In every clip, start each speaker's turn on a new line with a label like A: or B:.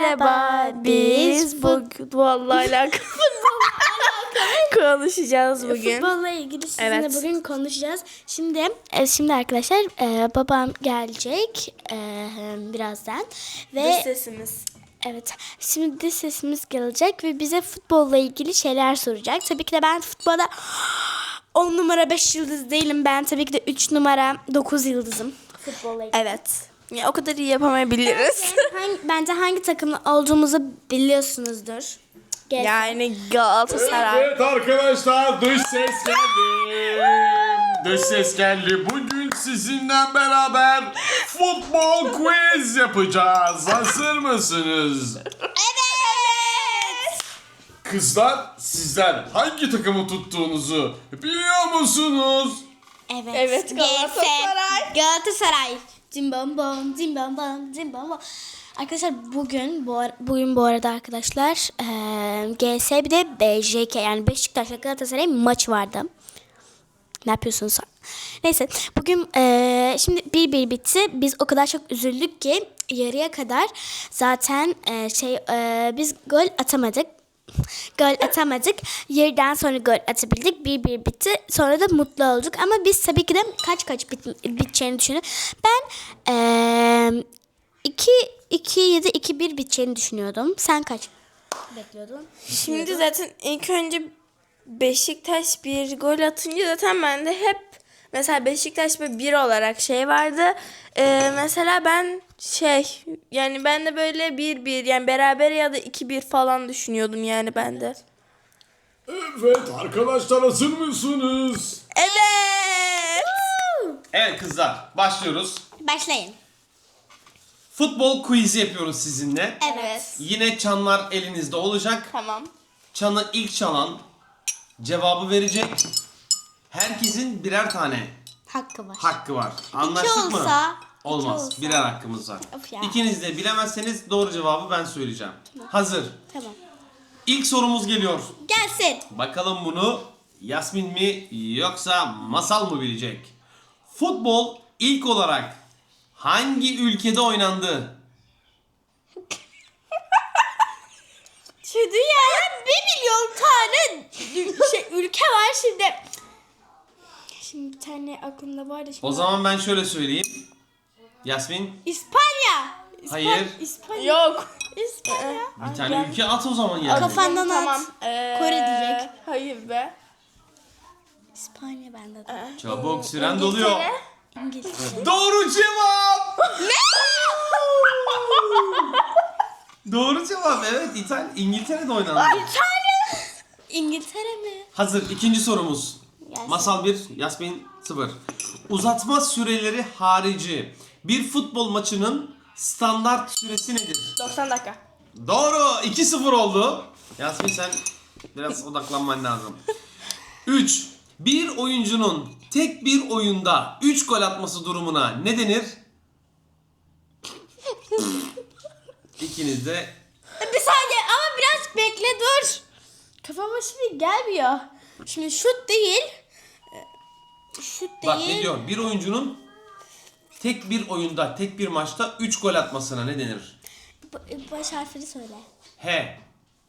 A: Merhaba, biz vallahi alakalı konuşacağız bugün.
B: Futbolla ilgili sizinle
A: Evet.
B: bugün konuşacağız. Şimdi arkadaşlar babam gelecek birazdan ve
A: Dış sesimiz.
B: evet, şimdi de sesimiz gelecek ve bize futbolla ilgili şeyler soracak. Tabii ki de ben futbolda 10 numara 5 yıldız değilim. Ben tabii ki de 3 numara 9 yıldızım. Futbolla ilgili.
A: Evet. Ya, o kadar iyi yapamayabiliriz.
B: Bence hangi takımlı olduğumuzu biliyorsunuzdur.
A: Yani Galatasaray.
C: Evet arkadaşlar, dış ses geldi. Dış ses geldi. Bugün sizinle beraber futbol quiz yapacağız. Hazır mısınız?
B: Evet.
C: Kızlar, sizler hangi takımı tuttuğunuzu biliyor musunuz?
A: Evet, Galatasaray.
B: Galatasaray. Cimbom cimbom cimbom. Arkadaşlar bugün bu arada arkadaşlar GS bir de BJK yani Beşiktaş'la Galatasaray maç vardı. Ne yapıyorsunuz? Neyse bugün şimdi 1-1 bitti. Biz o kadar çok üzüldük ki yarıya kadar zaten biz gol atamadık. Yarıdan sonra gol atabildik. 1-1 bitti. Sonra da mutlu olduk. Ama biz tabii ki de kaç biteceğini düşünüyorum. Ben 2-7 2-1 biteceğini düşünüyordum. Sen kaç bekliyordun?
A: Şimdi zaten ilk önce Beşiktaş bir gol atınca zaten bende hep mesela Beşiktaş bir olarak şey vardı. Mesela ben yani ben de böyle 1-1 yani beraber ya da 2-1 falan düşünüyordum yani ben de.
C: Evet arkadaşlar, hazır mısınız?
A: Evet.
C: Evet kızlar, başlıyoruz.
B: Başlayın.
D: Futbol quiz'i yapıyoruz sizinle.
B: Evet.
D: Yine çanlar elinizde olacak.
A: Tamam.
D: Çanı ilk çalan cevabı verecek. Herkesin birer tane
B: Hakkı var.
D: hakkı var. Anlaştık mı?
B: olsa-
D: Olmaz.
B: olsa.
D: Birer hakkımız var.
B: Of ya.
D: İkiniz de bilemezseniz doğru cevabı ben söyleyeceğim. Hazır.
B: Tamam.
D: İlk sorumuz geliyor.
B: Gelsin.
D: Bakalım bunu Yasmin mi yoksa Masal mı bilecek? Futbol ilk olarak hangi ülkede oynandı?
A: Şu dünyada 1 milyon tane ülke var şimdi.
B: Şimdi bir tane aklımda vardı. Şimdi
D: O zaman ben şöyle söyleyeyim. Yasmin,
B: İspanya.
D: hayır.
B: İspanya.
A: Yok.
B: İspanya.
D: Bir tane ülke at o zaman yani.
B: Kafandan
A: Tamam.
B: at. Kore diyecek.
A: Hayır be.
B: İspanya bende de.
D: Çabuk süren doluyor.
B: İngiltere.
D: Doğru cevap. Doğru cevap. Evet, İngiltere'de oynandı.
B: İngiltere mi?
D: Hazır. İkinci sorumuz.
B: Gelsin.
D: Masal 1, Yasmin 0. Uzatma süreleri harici bir futbol maçının standart süresi nedir?
A: 90 dakika.
D: Doğru. 2-0 oldu. Yasmin sen biraz odaklanman lazım. 3. Bir oyuncunun tek bir oyunda 3 gol atması durumuna ne denir? İkiniz de
B: Bir saniye ama biraz bekle dur. Kafama şimdi gelmiyor. Şimdi şut değil. Şut değil.
D: bak ne diyor? Bir oyuncunun tek bir oyunda, tek bir maçta 3 gol atmasına ne denir?
B: Baş harfini söyle.
D: H.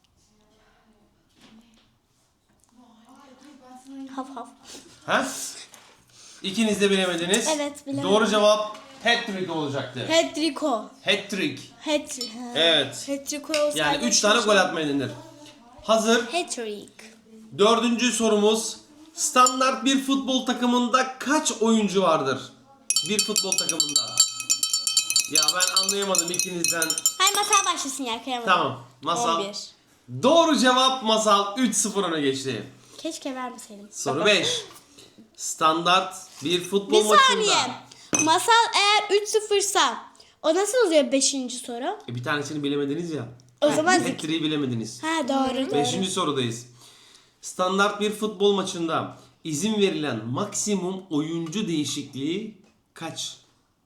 B: Haf haf.
D: Ha? İkiniz de bilemediniz.
B: Evet, bilemedim.
D: Doğru cevap hat-trick olacaktı.
B: Hedriko.
D: Hat-trick.
B: Hat-trick.
D: Evet.
B: Hedriko olsaydı.
D: Yani 3 tane gol atmaya denir. Hazır.
B: Hat-trick.
D: Dördüncü sorumuz. Standart bir futbol takımında kaç oyuncu vardır? Bir futbol takımında. Ya ben anlayamadım ikinizden.
B: Hayır masal başlasın ya kıyamadım.
D: Tamam. Masal.
A: 11.
D: Doğru cevap Masal 3-0 öne geçti.
B: Keşke vermeseydim.
D: Soru 5. Standart bir futbol
B: Bir
D: maçında.
B: saniye. Masal eğer 3-0'sa o nasıl oluyor 5. soru?
D: Bir tanesini bilemediniz ya.
B: O zaman
D: Hat-trick'i bilemediniz.
B: ha doğru.
D: 5. sorudayız. Standart bir futbol maçında izin verilen maksimum oyuncu değişikliği kaçtır?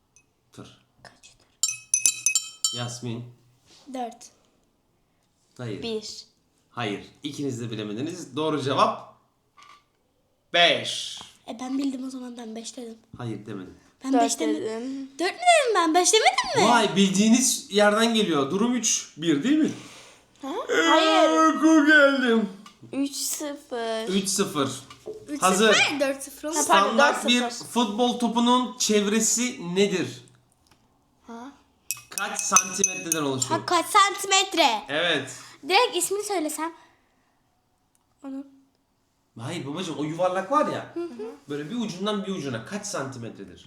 D: Yasmin.
B: 4.
D: Hayır.
A: 1.
D: Hayır. İkiniz de bilemediniz. Doğru cevap 5.
B: Ben bildim o zaman ben 5 dedim.
D: Hayır demedim.
B: Ben
A: 4
B: 5 demedim.
A: dedim.
B: 4 mü dedim ben? 5 demedim mi?
D: Vay, bildiğiniz yerden geliyor. Durum 3-1 değil mi?
A: Hayır.
D: Ku geldim.
A: 3-0.
D: 3-0.
B: 3-0,
D: Hazır.
B: 4-0 oldu.
A: Pardon,
D: Standart bir
A: 4-0.
D: futbol topunun çevresi nedir?
A: Ha?
D: Kaç santimetreden oluşuyor?
B: Ha, kaç santimetre?
D: Evet.
B: Direkt ismini söylesem.
D: Hayır babacığım, o yuvarlak var ya. Böyle bir ucundan bir ucuna kaç santimetredir?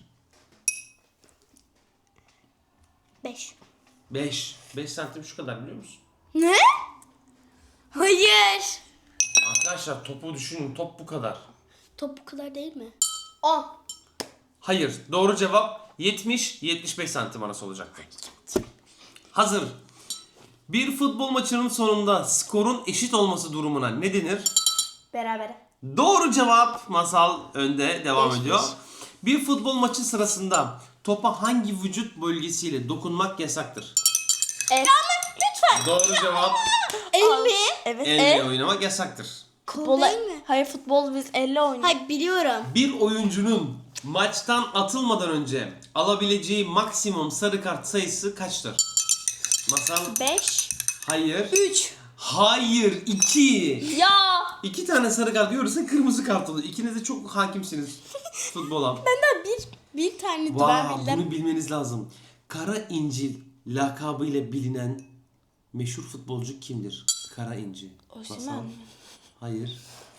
B: 5.
D: 5. 5 santim şu kadar, biliyor musun?
B: Ne? Hayır.
D: Arkadaşlar topu düşünün. Top bu kadar.
B: Top bu kadar değil mi?
A: 10.
D: Hayır. Doğru cevap 70-75 santim arası olacaktı. Hazır. Bir futbol maçının sonunda skorun eşit olması durumuna ne denir?
A: Berabere.
D: Doğru cevap. Masal önde devam
A: 5-5.
D: ediyor. Bir futbol maçı sırasında topa hangi vücut bölgesiyle dokunmak yasaktır?
A: Evet.
B: Lütfen.
D: Doğru cevap.
B: El mi?
A: Evet.
D: Elle oynamak yasaktır.
B: Kol değil mi?
A: Hayır, futbol biz elle oynuyoruz.
B: Hayır, biliyorum.
D: Bir oyuncunun maçtan atılmadan önce alabileceği maksimum sarı kart sayısı kaçtır? Masal
A: 5.
D: hayır.
B: 3.
D: Hayır 2.
A: Ya.
D: 2 tane sarı kart görürse kırmızı kart olur. İkiniz de çok hakimsiniz futbola.
B: Benden bir taneydi ben
D: Vay,
B: bildim.
D: bunu bilmeniz lazım. Kara İncil lakabıyla bilinen meşhur futbolcu kimdir? Kara İnci.
A: Osimhen
D: Masal?
A: mi?
D: Hayır.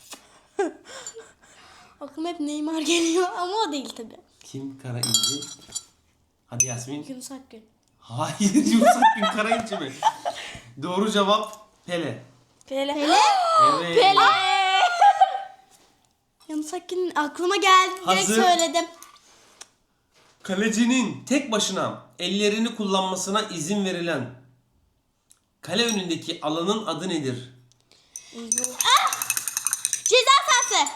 B: Aklıma hep Neymar geliyor ama o değil tabii.
D: Kim Kara İnci? Hadi Yasmin.
B: Yunus Akgün.
D: Hayır, Yunus Akgün Kara İnci mi? Doğru cevap Pele.
A: Pele.
D: Evet.
A: Pele.
B: Yunus Akgün aklıma geldi. Direkt
D: Hazır.
B: söyledim.
D: Kalecinin tek başına ellerini kullanmasına izin verilen kale önündeki alanın adı nedir?
B: Ceza sahası.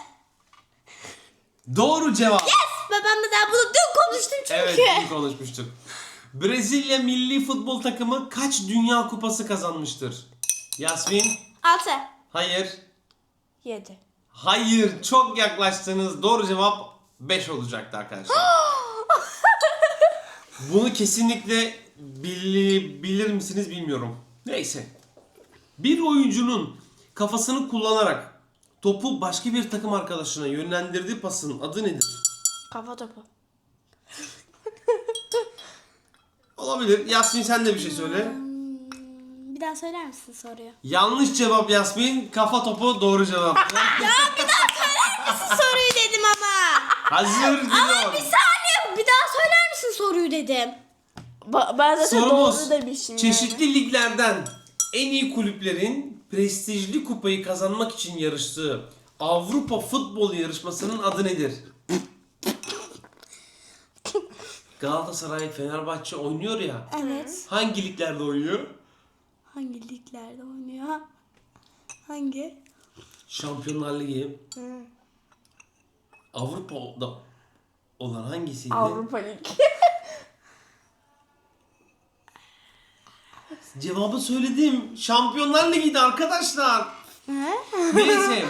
D: Doğru cevap.
B: Babamla daha bunu dün konuştum çünkü.
D: Evet, iyi konuşmuştuk. Brezilya milli futbol takımı kaç dünya kupası kazanmıştır? Yasmin?
B: 6.
D: Hayır.
A: 7.
D: Hayır, çok yaklaştınız. Doğru cevap 5 olacaktı arkadaşlar. Bunu kesinlikle bilir misiniz bilmiyorum. Neyse. Bir oyuncunun kafasını kullanarak topu başka bir takım arkadaşına yönlendirdiği pasın adı nedir?
A: Kafa topu.
D: Olabilir. Yasmin sen de bir şey söyle.
B: Bir daha söyler misin soruyu?
D: Yanlış cevap Yasmin. Kafa topu doğru cevaptı.
B: Soruyu dedim ama.
D: Hazır
B: Bir
D: geliyor.
B: saniye, bir daha söyler misin soruyu dedim.
A: Ben zaten
D: Sorumuz
A: doğru demişim
D: çeşitli liglerden en iyi kulüplerin prestijli kupayı kazanmak için yarıştığı Avrupa futbol yarışmasının adı nedir? Galatasaray, Fenerbahçe oynuyor ya.
B: Evet.
D: Hangi liglerde oynuyor?
B: Hangi liglerde oynuyor? Hangi?
D: Şampiyonlar Ligi. Avrupa'da olan hangisiydi?
A: Avrupa Ligi.
D: Cevabı söyledim. Şampiyonlar Ligi'ydi arkadaşlar. Neyse.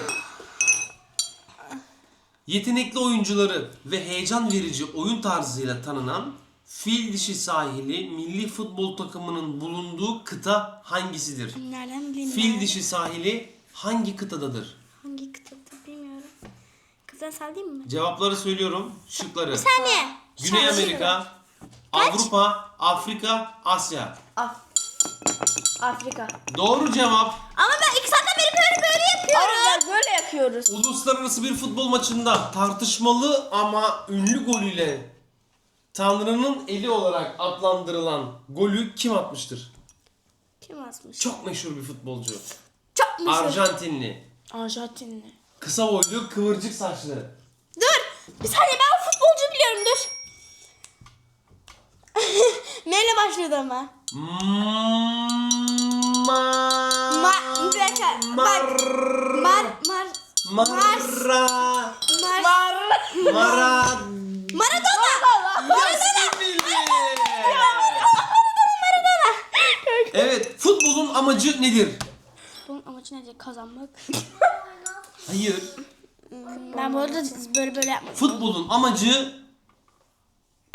D: Yetenekli oyuncuları ve heyecan verici oyun tarzıyla tanınan Fil Dişi Sahili milli futbol takımının bulunduğu kıta hangisidir?
B: Nereden bileyim
D: Fil
B: ben?
D: Dişi Sahili hangi kıtadadır?
B: Hangi kıtada bilmiyorum. Kıza sallayayım mı?
D: Cevapları söylüyorum. Şıkları.
B: Saniye.
D: Güney Amerika, Avrupa, Afrika, Asya.
A: Afrika.
D: Doğru cevap.
B: Ama ben 2 saatten beri böyle yapıyorum.
A: Ama böyle yapıyoruz.
D: Uluslararası bir futbol maçında tartışmalı ama ünlü golüyle Tanrı'nın eli olarak adlandırılan golü kim atmıştır?
B: Kim asmış?
D: Çok meşhur bir futbolcu.
B: Çok meşhur.
D: Arjantinli.
A: Arjantinli.
D: Kısa boylu, kıvırcık saçlı.
B: Dur. Bir saniye, ben futbolcu biliyorum, dur. Neyle başlıyordu ama? Bir dakika. Bak. Maradona.
D: Yasmin bildi. Evet, futbolun amacı nedir?
B: Bunun amacı nedir? Kazanmak.
D: Hayır.
B: Ben bu arada böyle yapmadım.
D: Futbolun amacı